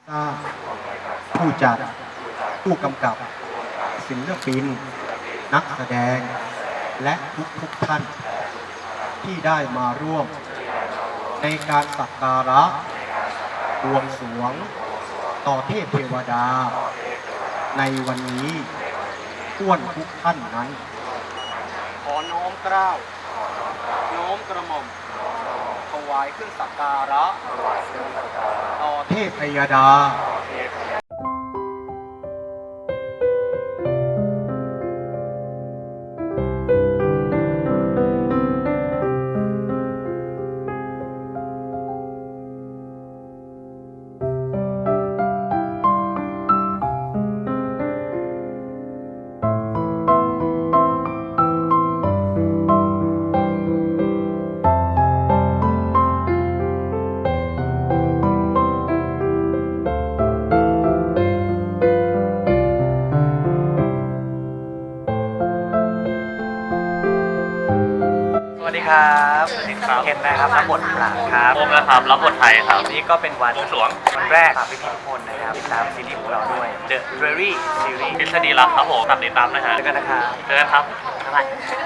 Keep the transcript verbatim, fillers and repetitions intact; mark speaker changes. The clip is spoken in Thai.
Speaker 1: สร้างผู้จัดผู้กำกับศิลปิน นักแสดง และทุกทุกท่าน ที่ได้มาร่วมในการสักการะบวงสรวงต่อเทพเทวดา ในวันนี้อ้วนทุกท่านนั้น ขอน้อมเกล้าน้อมกระหม่อมถวายเครื่องสักการะต่อเทพพยดา
Speaker 2: สวัสดีครับ
Speaker 3: สวัสดีครับ
Speaker 2: เคนนะครับรับบทปราบครับ
Speaker 3: ผมนะครับรับบทไทยครับ
Speaker 2: วันนี้ก็เป็นวัน
Speaker 3: บวงสรวง
Speaker 2: วันแรกฝากพี่ๆทุกคนนะครับติดตามซีรีส์ของเราด้วย The Dreary Series
Speaker 3: ทฤษฎีรักครับผมติดตามนะฮะ
Speaker 2: เจอกันนะครับ
Speaker 3: เจอกันครับ
Speaker 2: บ๊ายบาย